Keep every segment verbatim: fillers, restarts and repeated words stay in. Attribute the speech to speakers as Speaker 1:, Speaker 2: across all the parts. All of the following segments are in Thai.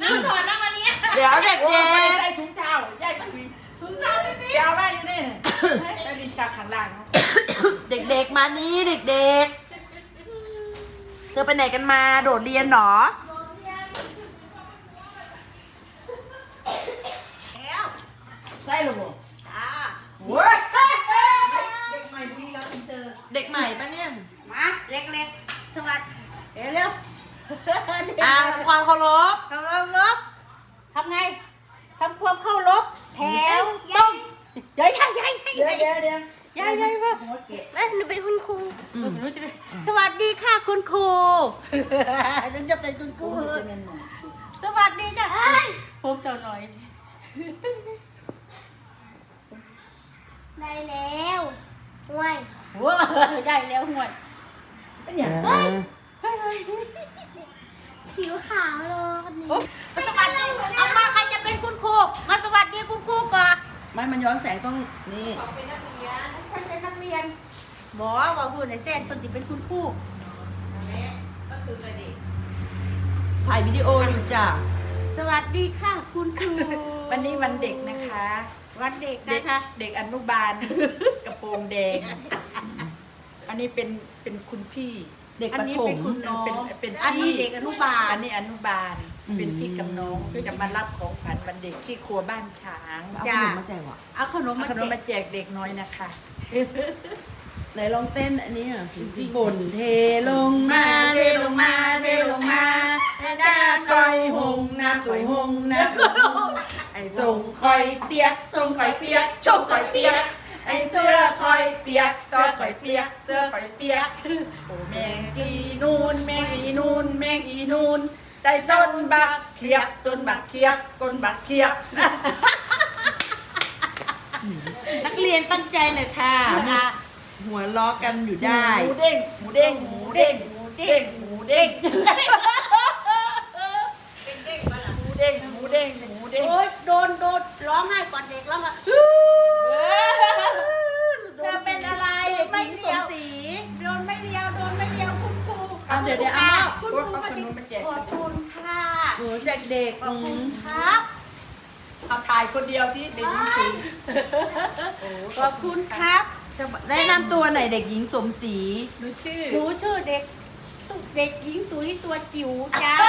Speaker 1: น้ำถอดน้ำอันนี้
Speaker 2: เดี๋ยวเด็กเด็ก
Speaker 3: ใส่ถุงเท้าใหญ่ถุงถุงเท้าไม่เอาไว้อยู่นี่ได้ดินจากข้างล่าง
Speaker 2: เด็กๆมานี่เด็กๆเธอไปไหนกันมาโดดเรียนหรอ
Speaker 3: ใส่หรือเปล่า
Speaker 1: จ้า
Speaker 3: เว้ยเด็กใหม่ดีแล้วอินเตอร์
Speaker 2: เด็กใหม่ปะเนี่ย
Speaker 1: มาเล็กๆสวัสดีเดี๋ยวเร็ว
Speaker 2: อ่าทำความเคารพ
Speaker 1: เข้ารบรบทำไงทำความเข้ารบแถวต้องใหญ่ใหญ่ใหญ่ใหญ่
Speaker 3: เดี๋ยวเดี๋ยวเดี๋ยว
Speaker 1: ใหญ่ใหญ่ป่ะ
Speaker 3: หัวเกะ
Speaker 1: แม่หนูเป็นคุณครูสวัสดีค่ะคุณครูฉันจะเป็นคุณครูสวัสดีจ้ะผมเจ้าหน่อย
Speaker 4: ได้แล้วห่วย
Speaker 1: ว้าได้แล้วหวด
Speaker 3: เป็นอย่าง
Speaker 4: ผิวขาวเลยคนนี้
Speaker 1: สวัสดีเอามาใครจะเป็นคุณครูมาสวัสดีคุณครูก่อน
Speaker 2: ไม่มันย้อนแสงต้องนี่
Speaker 1: ฉันเป็นนักเรียนบอกว่าพูดในเส้นคนสิเป็นคุณครูก็คือเลยดิ
Speaker 2: ถ่ายวิดีโออยู่จ้ะ
Speaker 1: สวัสดีค่ะคุณครู
Speaker 3: วันนี้วันเด็กนะคะ
Speaker 1: วันเด็ก
Speaker 3: เด็ก
Speaker 1: นะคะ
Speaker 3: เด็กอนุบาลกระโปรงแดง อันนี้เป็นเป็นคุณพี่
Speaker 2: เด็ก
Speaker 1: อัน
Speaker 2: ประ
Speaker 1: นี้
Speaker 2: ถ
Speaker 1: เป็
Speaker 2: ม
Speaker 1: นคุณน้อง
Speaker 3: เป็นเป็น
Speaker 1: อันนี้
Speaker 3: พี่
Speaker 1: เด็กอนุบาล
Speaker 3: อันนี้อนุบาล
Speaker 2: อืม
Speaker 3: เป็นพี่กับน้องจะมารับของขวัญวันเด็กที่ครัวบ้านช้าง
Speaker 2: เอาขนมมาแจกว่ะ
Speaker 1: เอาขนม
Speaker 3: เอา
Speaker 1: มา
Speaker 3: ขนม
Speaker 1: แจ
Speaker 3: มาก แจกเด็กน้อยนะคะ
Speaker 2: ไหนลองเต้นอันนี้อ่ะฝนเทลงมาเทลงมาเทลงมาหน้าคอยหงหน้าตุยหงหน้าตุยหงไอ้ทรงคอยเปียกทรงคอยเปียกชมคอยเปียกไอ้เสื้อคอยเปียกเสื้อคอยเปียกเสื้อคอยเปียกโอ้แมงอีนูนแมงอีนูนแมงอีนูนได้ต้นบักเขียบต้นบักเขียบต้นบักเขียบ นักเรียนตั้งใจหน่อยค่ะ หัวล้อกันอยู่ได้
Speaker 3: หมูเด้งหมูเด้งหมูเด้งหมูเด้งหมูเด้งหมูเด้งหมูเด้งหมูเด้งหมูเด้ง
Speaker 1: โอ๊ยโดนโดนร้องไห้ก่อนเด็กร้องอ่ะ
Speaker 2: เธอเป็นอะไรเด็กหญิงสมศรี
Speaker 1: โดนไม่เดียวโดนไม่เดียวคุณครู
Speaker 3: เอาเดี๋ยวเดี๋ยวเอา
Speaker 1: คุณครูมาดิขอบคุณค่ะ
Speaker 2: หนูเด็ก
Speaker 1: ข
Speaker 2: ๆ
Speaker 1: อบ
Speaker 2: อื
Speaker 1: คุณ
Speaker 2: ม
Speaker 1: ครับ
Speaker 3: เอาถ่ายคนเดียวที่เด็กหญิงสี
Speaker 1: ขอบคุณครับ
Speaker 2: แนะนำตัวหน่อยเด็กหญิงสมศรี
Speaker 3: หนูชื่อ
Speaker 1: หนูชื่อเด็กตุ๊เด็กหญิงตุ๋ยตัวจิ๋วจ้า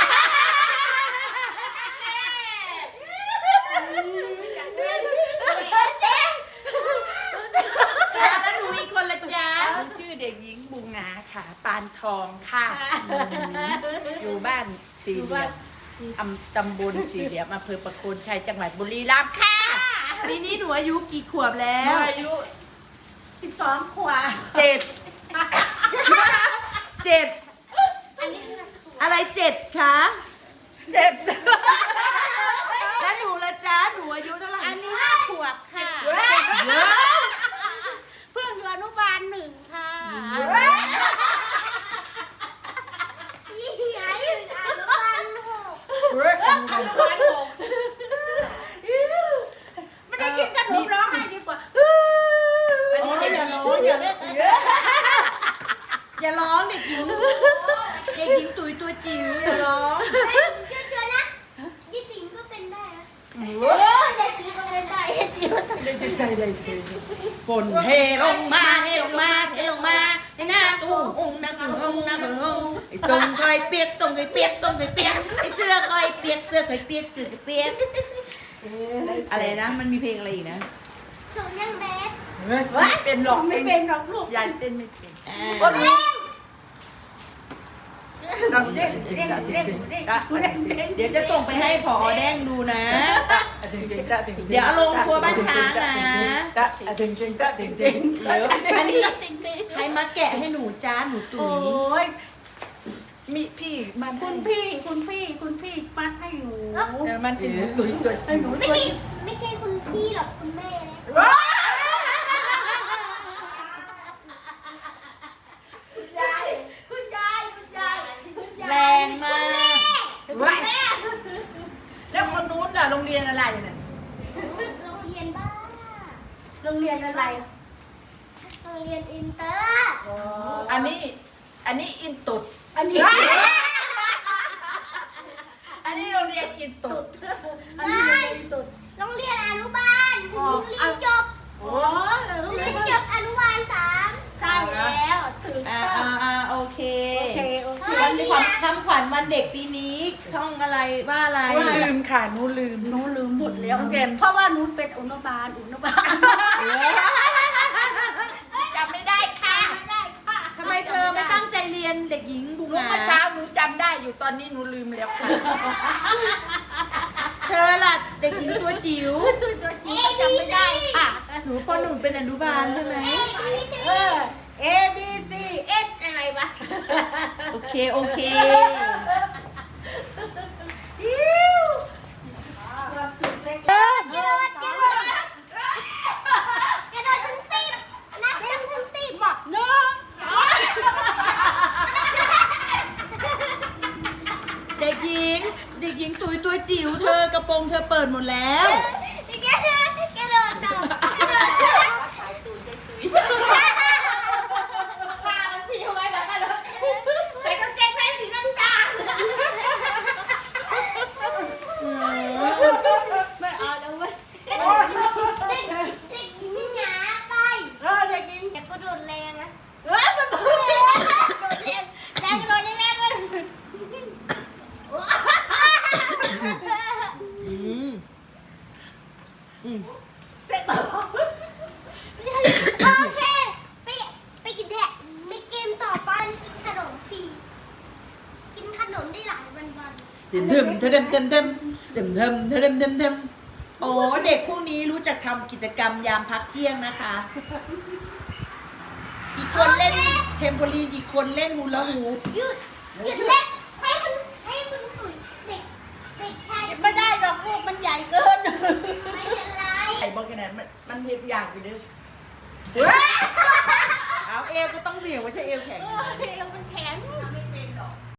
Speaker 2: แล้วหนูอีกคนละจ๊ะ
Speaker 3: หนูชื่อเด็กหญิงบุงงาค่ะปานทองค่ะอยู่บ้านสี่เหลี่ยมอำตำบลสี่เหลี่ยมอำเภอประโคนชัยจังหวัดบุรีรัมย์ค่ะ
Speaker 2: ปีนี้หนูอายุกี่ขวบแล้ว
Speaker 3: อายุ
Speaker 1: สิบสองขวบ
Speaker 3: เจ็ด
Speaker 2: เจ็ดอะไรเจ็ดคะ
Speaker 3: เจ็ด
Speaker 2: แล้วหนูละจ๊ะหนูอายุเท่าไหร่
Speaker 1: อันนี้ห้าขวบค่ะ
Speaker 2: เยอะ
Speaker 1: เพื่อนอยู่อนุบาลหนึ่งค่ะ
Speaker 4: ยี่หยาอยู่อนุบาลหก
Speaker 1: อนุบาลหกไม่ได้กินขนมร้องไห้ดีกว่า
Speaker 2: โอ้ยอย่าร้องอย่าอย่าร้องเด็กหญิงเด็กหญิงตุยตัวจิ๋วอย่าร้อง
Speaker 4: เฮ้ยเจอๆนะยี่ติ๋งก็เป็นได้นะ
Speaker 1: เออยายติ๋งก็เป็นได้ยายติ๋งก็ต้อง
Speaker 3: ได้ใส่ได้ใส่
Speaker 2: ฝนเทลงมาเทลงมาเทลงมาให้หน้าตู้หงหน้าตู้หงหน้าตู้หงไอ้ตรงคอยเปียกตรงคอยเปียกตรงคอยเปียกไอ้เสื้อคอยเปียกเสื้อคอยเปียกเสื้อคอยเปียกอะไรนะมันมีเพลงอะไรอีกนะ
Speaker 4: ชมยังแบด
Speaker 3: ไม่เป็นหรอก
Speaker 1: ไม่เป็นหรอกลูก
Speaker 3: ยายเต้นไม่เป็น
Speaker 2: อ่
Speaker 1: โอ้
Speaker 2: า
Speaker 1: เด้งเด้งเด้งเด้งเด้งเด้ง
Speaker 2: เดี๋ยวจะส่งไปให้ผอแดงดูนะ เดี๋ยวเอาลงครัวบ้านช้างนะ
Speaker 3: ตะถึงถึงตะถึงถึง
Speaker 2: เดี๋ยวอันนี้ใครมาแกะให้หนูจ้าหนูตุ๋
Speaker 1: โอ้
Speaker 2: ย
Speaker 1: ย
Speaker 3: มีพี่มัน
Speaker 1: คุณพี่คุณพี่คุณพี่มัดให้หนู
Speaker 3: มันเป็นตุยตัวจริง
Speaker 4: ไม่ใช่ไม่ใช่คุณพี่หรอกคุณแม่นะ
Speaker 1: คุณยายคุณยายคุณยายคุณยาย
Speaker 2: แรงมาก
Speaker 1: แม่
Speaker 3: แล้วคนนู้นล่ะโรงเรียนอะไรเนี่ย
Speaker 4: โรงเรียนบ้า
Speaker 1: โรงเรียนอะไร
Speaker 4: โรงเรียนอินเตอร์
Speaker 3: อันนี้อันนี้อินตุด
Speaker 1: อันนี้
Speaker 3: อันนี้โรงเรียนรียนอินตุด
Speaker 1: อันนี้เรียนตุด
Speaker 4: โรงเรียนอนุบาลเรียนจบ
Speaker 1: โอ้ย
Speaker 4: เรียนจบอนุบาลสาม
Speaker 1: ใช่แล้วถึง
Speaker 2: อ่า
Speaker 1: ต้อง
Speaker 2: อ่าอ่าโอเค
Speaker 1: โอเคโอเค
Speaker 2: วันนี้ความคำขวัญวันเด็กปีนี้ท่องอะไรว่าอะไร
Speaker 3: หนูลืมค่ะหนูลืม
Speaker 1: หนูลืมหมดแล้ว
Speaker 3: น้องเซน
Speaker 1: เพราะว่าหนูเป็นอนุบาลอนุบาล
Speaker 3: จำไม่ได้ค่ะ
Speaker 1: ไม่ได้ค่ะ
Speaker 2: ทำไมเธอไม่ตั้งใจเรียนเด็กหญิงบุ
Speaker 3: หนู
Speaker 2: งา
Speaker 3: เมื่อเช้าหนูจำได้อยู่ตอนนี้หนูลืมแล้วค่ะ
Speaker 2: เธอล่ะเด็กหญิงตัวจิ๋ว
Speaker 1: ตัวตัวจริงก็จำไม่ได้ค่ะ
Speaker 2: หนูปหนึ่งเป็นอนุบาลใช่ไหม
Speaker 1: เออ A B C S อะไรวะ
Speaker 2: โอเคโอเค
Speaker 1: อิ้วความสุขเล็ก
Speaker 2: เริ่ม
Speaker 4: กระโดดกระโดดกระโดดถึงสิบนับหนึ่งถึงสิบ
Speaker 1: หมักเนื้อ
Speaker 2: เด็กหญิง เด็กหญิงตุยตัวจิ๋วเธอกระโปรงเธอเปิดหมดแล้ว
Speaker 4: กระโดดกระโดดต่อกระโดด
Speaker 1: ผ้ามันผิวไว้แบบนั้นเลยใส่กางเกงในสีน้ำตาลไม่เอาแล้วเว้ย
Speaker 4: เด็กเด็กหญิงหงาไป
Speaker 1: เออเด็กหญิง
Speaker 4: อย่ากระโดดแรงนะ
Speaker 1: เออมันโดดแรงโดดแรงแรงโดดแรงเลย
Speaker 2: อืมอืม
Speaker 1: เสร็จแล้ว
Speaker 4: โอเคไปไปกินแดกไปเกมต่อไปขนมฟรีกินขนมได้หลายวันวัน
Speaker 2: เต็มเต็มเต็มเต็มเต็มเต็มเต็มเต็มเต็มเต็มเต็มโอ้เด็กพวกนี้รู้จักทำกิจกรรมยามพักเที่ยงนะคะ อีกคนเล่นเทมโพลีนอีกคนเล่นฮูลาฮูป
Speaker 4: หยุดหยุดเล่นให้มันให้มันตุ๋ยเด็กเด็กชาย
Speaker 1: ไม่ได้หรอกลูกมันใหญ่เกิน
Speaker 4: ไม่เป็นไร
Speaker 2: ไอ้บอกแค่นั้นมันมันเพียงอย่างไปเลยเอาเอวก็ต้องเหนียวไม่ใช่เอวแข็ง
Speaker 1: เออมันแข็ง